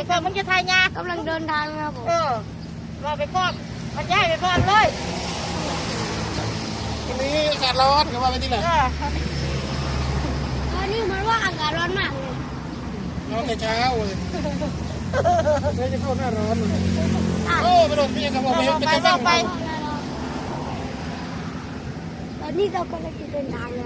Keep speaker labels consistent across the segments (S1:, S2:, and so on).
S1: พร้อมมึงจะทายยาก
S2: ำลังเดินทางครับผม
S1: เราไปพร้อมมันย้ายไปพร้อมเลย
S3: วันนี้อากาศร้อนเขาว่าไปที่ไหน
S2: ตอนนี้มันว่าอากาศร้อนมากเลย
S3: ร้อนแต่เช้าเลยไม่จะเข้าหน้าร้อนเลยโอ้ไปโดนพี่ครับผมไปจะฟังไป
S2: ตอนนี้เราก็จะเดินทางนะ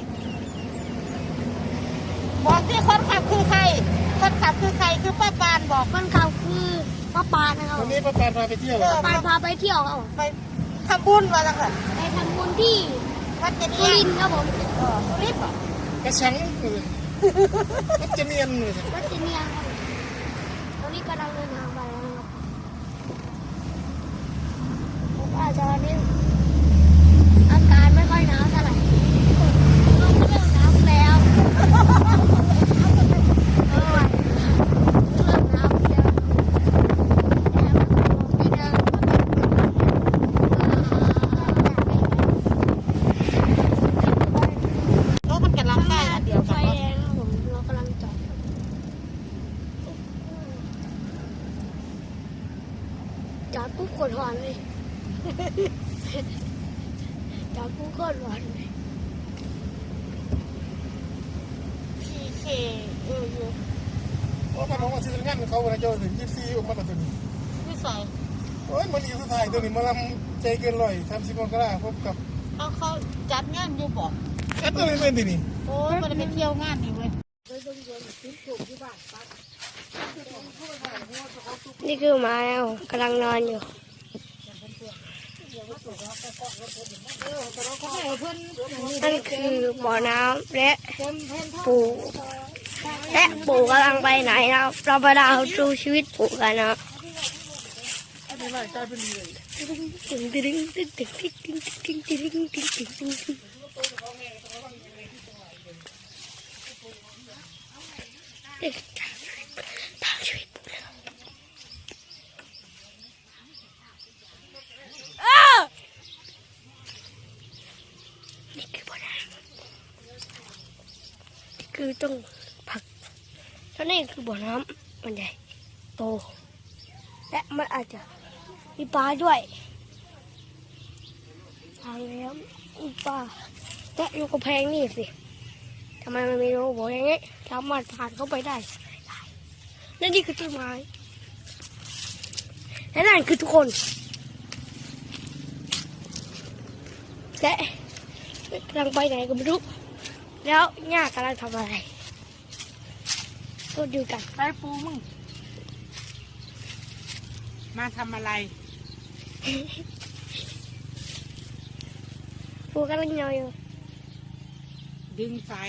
S1: บอกที่คนขับคือใครคนขับคือใครคือป้าปานบอก
S2: คนขับคือป้าปานนะครับ
S3: วันนี้ป้าปานพาไปเที่ยว
S2: ป้าปานพาไปเที่ยวครับผม
S1: ไปทำบุญมาแล้วค่ะ
S2: ไปทำบุญที่
S1: วัดเจดี
S2: สุรินทร์ครับผม
S1: สุรินทร์เหรอก
S3: ระชังเลยมันจะเนียนเลย
S2: วัดจีเนียงครับผมตอนนี้กำลังเดินทางไปแล้วนะครับผมว่าตอนนี้อากาศไม่ค่อยหนาวเท่าไหร่ลมเริ่มหนาวแล้วเริ่มหนาวแล้ว
S1: รถมันกำลังได้อันเดียว
S2: ไฟ
S1: กัน
S2: แดงครับผมเรากำลังจอดปุ๊บกดหอนเลยจอดปุ๊บกดหอนเลย
S1: พีเคอยู่
S3: โอ้ป้าน้องมาซื้องานเขาวันนี้เจอถึง24ออกมากับตัวนี้
S1: ที่ใส่
S3: โอ้ยมันอีกสุดท้ายตัวนี้มาลำใจเกินร้อย30 มกราพบกับ
S1: เขาจัดงานอยู่บอก
S3: แอดตัวนี้เป็นที่นี่
S1: โอ้ยมันไปเที่ยวงานนี่เว้ย
S2: นี่คือหมาแล้วกำลังนอนอยู่นั่นคือบ่อน้ำและปู่กำลังไปไหนนะครับเราไปดูชีวิตปู่กันนะตึงตึงตึงตึงตึงตึงตึงตึงตึงตึงตึงตึงตึงทางชีวิตปู่เลยนี่คือบ่อน้ำคือต้องผักแล้วนี่คือบ่อน้ำมันใหญ่โตและมันอาจจะมีปลาด้วยทางแล้วมีปลาและอยู่กระแพงนี่สิทำไมมันมีรูโบอย่างนี้สามารถผ่านเข้าไปได้และนี่คือต้นไม้และนั่นคือทุกคนและกำลังไปไหนก็ไม่รู้แล้วย่ากำลังทำอะไรก็ดูกัน
S1: ไปปูมึงมาทำอะไร
S2: ปูกำลังนอนอยู่
S1: ดึงสาย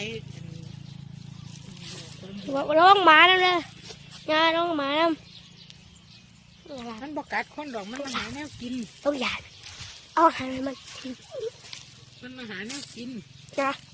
S2: ร้องหมาแล้วเลยงานร้องหมาแล้ว
S1: มันบอกกัดคนดอกมันมาหาแนวกิน
S2: ต้องหยาดเอาอาหารให้มันกิน
S1: มันมาหาแนวกิน
S2: นะ